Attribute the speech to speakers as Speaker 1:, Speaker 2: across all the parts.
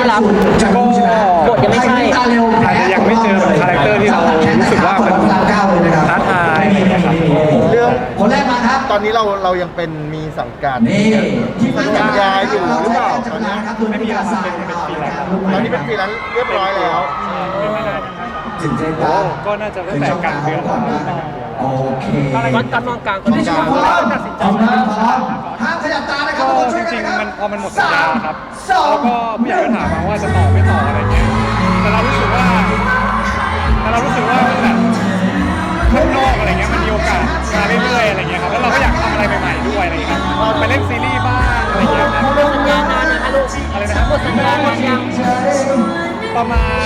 Speaker 1: รับบทยังไม่ใช่
Speaker 2: อาจจะยังไม่เจอคาแรคเตอร์ที่เรารู้สึกว่ามันท้าทายนะครับ
Speaker 3: เรื่องคนแรกมาครับตอนนี้เรายังเป็นมีสังกัดที่สัญญาอยู่หรือเปล่าตอนนี้
Speaker 2: ไม่มีอะไรเป็นฟรีแลนซ์ครับ
Speaker 3: ตอนนี้เป็นฟรีแลนซ์เรียบร้อยแล้ว
Speaker 2: ก็น่าจะตั้งแต่กลางเดือน
Speaker 1: โอเคการมองกลางคนที่ชอบตัดสินใจ
Speaker 3: ห้ามขยับตานะครับ
Speaker 2: ก็จริงๆมันพอมันหมดสัญญาครับแล้วก็ผู้ใหญ่ก็ถามมาว่าจะต่อไม่ต่ออะไรเงี้ยแต่เรารู้สึกว่ามันแบบข้างนอกอะไรเงี้ยมันมีโอกาสมาเรื่อยๆอะไรเงี้ยครับแล้วเราก็อยากทำอะไรใหม่ๆด้วยอะไรเงี้ยไปเล่นซีรีส์บ้างอะไรเงี้ยครับ
Speaker 1: สัญญานานนะคะลูก
Speaker 2: อะไรนะครับ
Speaker 1: หมดสัญญาหมดยัง
Speaker 2: ประมาณ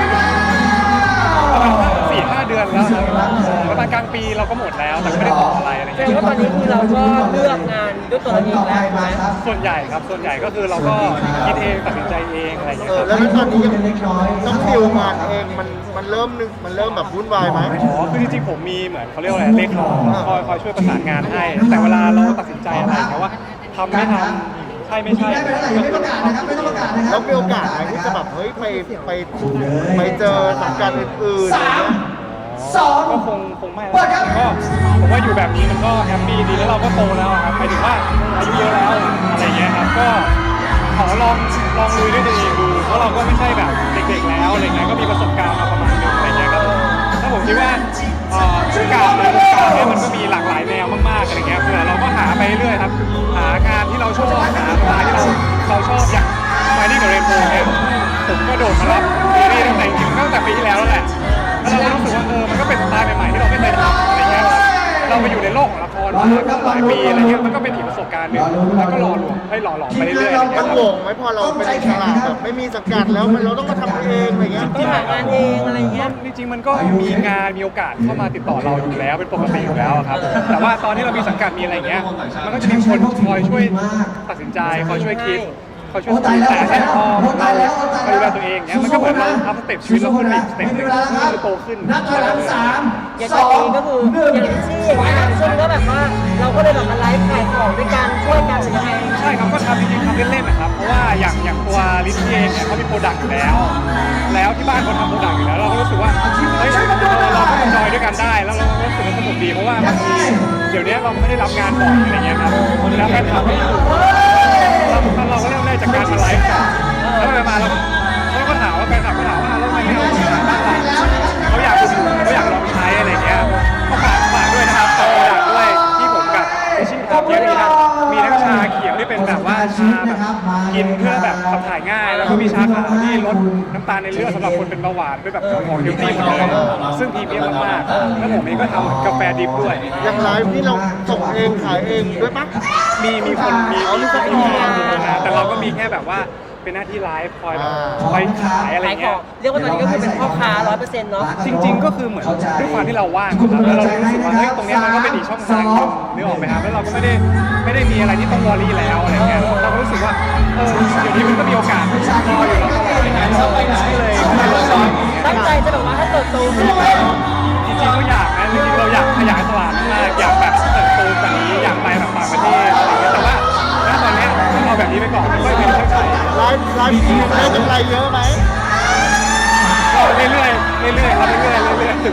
Speaker 2: 4-5 เดือนแล้วประมาณกลางปีเราก็หมดแล้วแต่ไม่ได้ต่ออะไรอะไรเงี้ย
Speaker 1: แสดงว่าตอนนี้คือเราก็เลือกงานด้วยตัวเราเองแล้วไหม
Speaker 2: ส่วนใหญ่ก็คือเราก็คิดเองตัดสินใจเองอะไรอย่างเงี้ยครับ
Speaker 3: แล้วตอนนี้ยังต้องดิวงานเองมันเริ่มแบบวุ่นวายไหม
Speaker 2: คือจริงๆผมมีเหมือนเขาเรียกว่าอะไรเลขาคอยช่วยประสานงานให้แต่เวลาเราตัดสินใจอะไรนะว่าทำไม่ทำใช่ไม่ใช่
Speaker 3: ไม่ประกาศนะครับไม่ต้องประกาศนะครับแล้วมีโอกาสไหมที่จะแบบเฮ้ยไปเจอสังกัดอื่นๆ
Speaker 2: ก็คงไม่แล้วก็ผมว่าอยู่แบบนี้มันก็แฮปปี้ดีแล้วเราก็โตแล้วครับหมายถึงว่าอายุเยอะแล้วอะไรเงี้ยครับก็ขอลองลุยด้วยตัวเองดูเพราะเราก็ไม่ใช่แบบเด็กๆแล้วอะไรเงี้ยก็มีประสบการณ์มาประมาณนึงอะไรเงี้ยครับถ้าผมคิดว่าโอกาสในวงการเนี่ยมันก็มีหลากหลายแนวมากๆอะไรเงี้ยเผื่อเราก็หาไปเรื่อยครับหางานที่เราชอบหาเวลาที่เราชอบอย่างไฟนี่กับเรนโบว์เนี่ยผมก็โดดมารับซีรีส์ตั้งแต่ปีที่แล้วแหละแล้วเราก็รู้สึกว่ามันก็เป็นสไตล์ใหม่ๆที่เราไม่เคยทำอะไรเงี้ยเราไปอยู่ในโลกของละครมาหลายปีอะไรเงี้ยมันก็เป็นอีกประสบการณ์หนึ่งแล้วก็หล่อหลอมไปเรื่อยๆ
Speaker 3: มันโหวงไหมพอเราเป็นอิสระแบบไม่มีสังกัดแล้วเราต้องมาทำเองอะไรเงี้ย
Speaker 1: ต้องหางานเองอะไรเงี้ย
Speaker 2: จริงๆมันก็มีงานมีโอกาสเข้ามาติดต่อเราอยู่แล้วเป็นปกติอยู่แล้วครับแต่ว่าตอนที่เรามีสังกัดมีอะไรเงี้ยมันก็จะมีคนคอยช่วยตัดสินใจคอยช่วยคิดเขาช่วยแต่ให้พอเราดูแลตัวเองเนี่ยมันก็เหมือนเราทำสเต็ปชีวิตเราขึ้นอีกสเต็ปนึงคือโตขึ้น
Speaker 1: อย่างตอนนี้ก็คืออย่างที่อย่างเงี้ยช่วงก็แบบว่าเราก็เลยแบบมาไลฟ์ขายของด้วยกันช่วยกันหรือยังไง
Speaker 2: ใช่ครับก็ทำจริงๆทำเล่นๆนะครับเพราะว่าอย่างตัวลิซเองเนี่ยเขามีโปรดักต์อยู่แล้วที่บ้านเขาทำโปรดักต์อยู่แล้วเราก็รู้สึกว่าเฮ้ยเราก็จอยด้วยกันได้แล้วเรารู้สึกว่าสนุกดีเพราะว่าบางทีเดี๋ยวนี้เราไม่ได้รับงานบ่อยอะไรเงี้ยครับแล้วแฟนคลับเราก็เริ่มได้จากการมาไลฟ์กันแล้วไปมาแล้วเขาก็ถามว่าแฟนคลับก็ถามว่าแล้วทำไมไม่เอาบ้างล่ะเขาอยากลองใช้อะไรเงี้ยก็ฝากด้วยนะครับฝากโปรดักต์ด้วยที่ผมกับพิชิตทำเนี่ยมีทั้งชาเขียวที่เป็นแบบว่าชาแบบกินเพื่อแบบขับถ่ายง่ายแล้วก็มีชาขาวที่ลดน้ำตาลในเลือดสำหรับคนเป็นเบาหวานเป็นแบบของเฮลตี้หมดเลยซึ่งพรีเมียมมากๆแล้วผมเองก็ทำกาแฟดิบด้วย
Speaker 3: อย่างไลฟ์นี่เราส่งเองขายเองด้วยปะ
Speaker 2: มีคนนะแต่เราก็มีแค่แบบว่าเป็นหน้าที่ไลฟ์คอยขายอะไรเงี้ย
Speaker 1: เรียกว่าตอนนี้ก็คือเป็นพ่อค้า 100% เนาะ
Speaker 2: จริงๆก็คือเหมือนด้วยความที่เราว่างครับแล้วเรารู้สึกว่าเฮ้ยตรงนี้มันก็เป็นอีกช่องทางนึกออกไหมครับแล้วเราก็ไม่ได้มีอะไรที่ต้องวอรี่แล้วอะไรเงี้ยเราก็รู้สึกว่าเดี๋ยวนี้มันก็มีโอกาสรออยู่แล้วอะไรเงี้ยเลย
Speaker 1: ตั้งใจจะแบบว่าถ้าเติบโตขึ้น
Speaker 2: จริงๆก็อยากนะจริงๆเราอยากขยายตลาดมากอยากแบบเติบโตแบบนี้อยากไปแบบต่างประเทศอะไรเงี้ยแต่ว่าณตอนนี้เราแบบนี้ไปก่อนไม่เป็นเท่าไหร่
Speaker 3: ไลฟ์ทีได้กำไรเยอะไหม
Speaker 2: ก็เรื่อยๆครับเรื่อย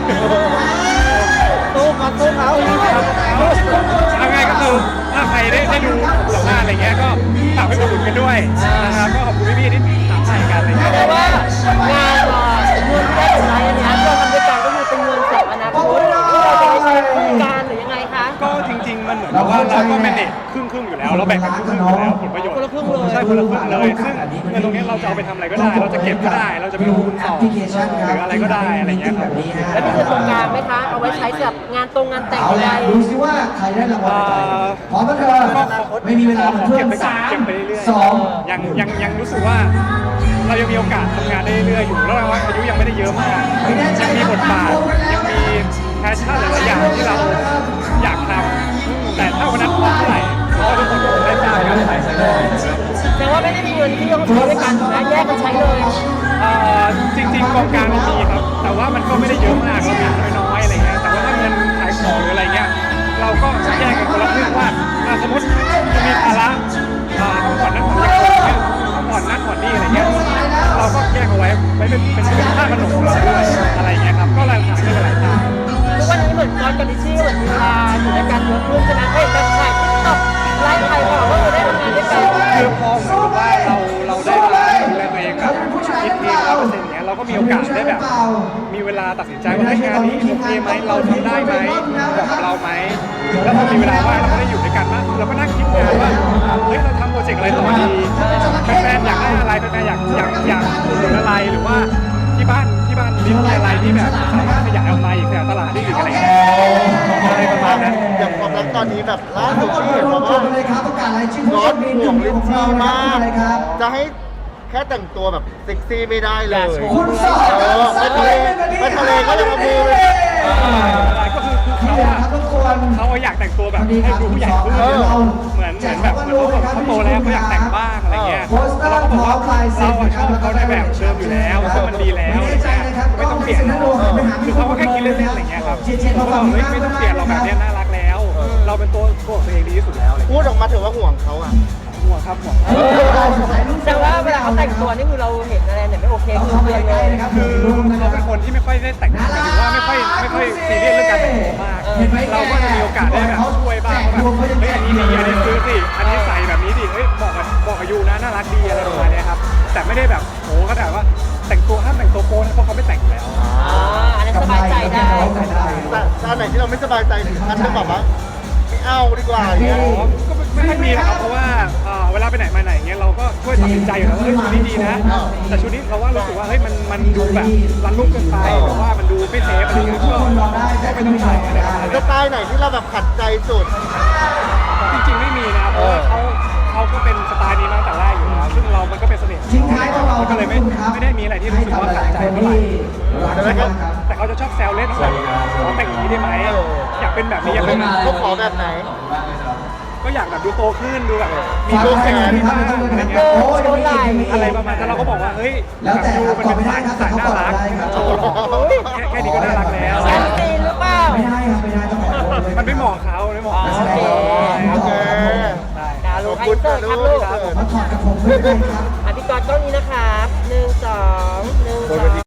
Speaker 1: ๆตู้เขา
Speaker 2: เอาไงก็คือถ้าใครได้ดูสัมภาษณ์อะไรเงี้ยก็ฝากไปอุดหนุนกันด้วยนะครับก็ขอบคุณพี่ๆที่ถามให้กันอะไรเงี้ย
Speaker 1: แต่ว่างานเงินที่ได้จากไลฟ์อันนี้เราทำด้วยกันก็คือเป็นเงินสำหรับอนาคตที่เราจะไปใช้คู่กันหรือยังไงคะ
Speaker 2: ก็จริงๆมันเหมือนกับว่าเราก็เป็นเด็กครึ่งอยู่แล้วเราแบ่งกันครึ่งอยู่แล้วผลประโยชน์
Speaker 1: คนละครึ่งเลย
Speaker 2: ใช่คนละครึ่งเลยซึ่งเงินตรงนี้เราจะเอาไปทำอะไรก็ได้เราจะเก็บก็ได้เราจะไปลงทุนต่อหรืออะไรก็ได้อะไรเงี้ยครับ
Speaker 1: แล้วมีเงินตรงกลางไหมคะเอาไว้ใช้สำหรับงานแต่งอะไร
Speaker 3: ดูซิว่าใครได้รางวัลพร้อมแล้วเธอไม่มีเวลา
Speaker 2: เก็บไปเรื่อยๆยังรู้สึกว่าเรายังมีโอกาสทำงานได้เรื่อยๆอยู่แล้วอายุยังไม่ได้เยอะมากยังมีบทบาทยังมีแพชชั่นหลายอย่างที่เราอยากทำแต่ถ้าวันนั้นพร้อมเท่าไหร่ก็ทุกคนได้ทราบกัน
Speaker 1: แต่ว่าไม่ได้มีเงินที่ต้องใช้ด้วยกันนะแยกกันใช้เลย
Speaker 2: จริงๆกองกลางเรามีครับแต่ว่ามันก็ไม่ได้เยอะมากเรามีน้อยๆอะไรเงี้ยแต่ว่าถ้าเงินขายของหรืออะไรเงี้ยเราก็แยกกันคนละครึ่งว่าสมมติจะมีภาระต้องผ่อนนั่นผ่อนนี่ต้องผ่อนนั่นผ่อนนี่อะไรเงี้ยไว้เป็นค่าขนมเราด้วยอะไรอย่างเงี้ยครับก็หลายๆหลายๆทาง
Speaker 1: ทุกวันนี้เหมือนตอนกับลิชชี่เหมือนมีเวลาอยู่ด้วยกันเยอะขึ้นใช่ไหมเฮ้ยแบบถ่ายทิกตอกไลฟ์ใครก่อนว่าเราได้ทำงานด้วยกัน
Speaker 2: คือพอเหมือนกับว่าเราได้มาดูแลตัวเองแบบคิดเอง100%อย่างเงี้ยเราก็มีโอกาสได้แบบมีเวลาตัดสินใจว่าเฮ้ยงานนี้โอเคไหมเราทำได้ไหมเหมาะกับเราไหมแล้วพอมีเวลาว่างเราก็ได้อยู่ด้วยกันมากเราก็นั่งคิดงานว่าเฮ้ยเราทำโปรเจกต์อะไรต่อดีแฟนๆอยากได้อะไรแฟนๆอยากอุดหนุนอะไรหรือว่าที่บ้านลิสต์อะไรที่แบบสามารถขยายออกมาอีกขยายตลาดได้อีกอะไรอย่างเงี้ยอะไรประมาณนั้น
Speaker 3: อย่างความรักตอนนี้แบบล่าสุดที่เห็นบอกว่าก๊อตห่วงลินจี้มาก จะให้แค่แต่งตัวแบบเซ็กซี่ไม่ได้เลยไปทะเลก็ยังเอามือเลย
Speaker 2: ก็คือเขาอยากแต่งตัวแบบให้ดูผู้ใหญ่ขึ้นเหมือนแบบเขาโตแล้วเขาอยากแต่งบ้างอะไรเงี้ยแล้วเราก็บอกว่าเราชอบเขาในแบบเดิมอยู่แล้วซึ่งมันดีแล้วไม่ต้องเปลี่ยนคือเขาก็แค่คิดเล่นๆอะไรเงี้ยครับเขาบอกเฮ้ยไม่ต้องเปลี่ยนเราแบบนี้น่ารักแล้ว เราเป็นตัวของตัวเองดีที่สุดแล้วอะไร
Speaker 3: พูดออกมาถือว่าห่วงเขาอ่ะ
Speaker 2: ห่วงครับห่วง
Speaker 1: แต่ว่าเวลาเขาแต่งตัวนี่คือเราเห็นอะไรเนี่ยไม่โอเคคือเตือนเลย
Speaker 2: คือเขาเป็นคนที่ไม่ค่อยได้แต่งหรือว่าไม่ค่อยซีเรียสเรื่องการแต่งตัวมากเราก็จะมีโอกาสได้แบบช่วยบ้างแบบเฮ้ยอันนี้ดีอันนี้ซื้อสิอันนี้ใส่แบบนี้ดิเฮ้ยบอกกับยูนะน่ารักดีอะไรประมาณนี้ครับแต่ไม่ได้แบบโหก็แต่ว่าแต่งตัวห้ามแต่งตัวโป๊นะเพราะเขาไม่แต่งแล้ว
Speaker 1: อันนั้นสบายใจได้
Speaker 3: แต่อันไหนที่เราไม่สบายใจถึงขั้นจะแบบว่าไม่เอาดีกว่าอย่างเงี้ย
Speaker 2: ก็ไม่ค่อยมีนะครับเพราะว่าเวลาไปไหนมาไหนเงี้ยเราก็ช่วยตัดสินใจอยู่แล้วว่าเฮ้ยชุดนี้ดีนะแต่ชุดนี้เราว่ารู้สึกว่าเฮ้ยมันดูแบบรันลุ่มเกินไปหรือว่ามันดูไม่เซฟอะไรเงี้ยก็ไม่ต้องใส่อะไรประมาณ
Speaker 3: ส
Speaker 2: นี้
Speaker 3: ไตล์ไหนที่เราแบบขัดใจสุด
Speaker 2: จริงๆไม่มีนะเพราะว่าเขาก็เป็นสไตล์นี้มาตั้งแต่แรกอยู่แล้วซึ่งเรามันก็เป็นเสน่ห์ของเราก็เลยไม่ได้มีอะไรที่รู้สึกว่าขัดใจเท่าไหร่แต่เขาจะชอบแซวเล่นว่าขอแต่งอย่างนี้ได้ไหมอยากเป็นแบบนี้อยากเป็น
Speaker 3: เขาขอแบบไหน
Speaker 2: ก็อยากแบบดูโตขึ้นดูแบบมีรูปแขนที่บ้านอะไรเงี้ยอะไรประมาณนั้นเราก็บอกว่าเฮ้ยแบบดูมันเป็นสายน่ารักแค่นี้ก็น่ารักแล้ว
Speaker 1: แซนซีนหรือเปล่า
Speaker 2: มันไม่เหมาะเขาไม่เหมาะ
Speaker 1: โอเค
Speaker 3: โอเค
Speaker 1: ดาวลูกไอเซอร์ครับลูกพี่กอดกล้องนี้นะครับ1 2 1 2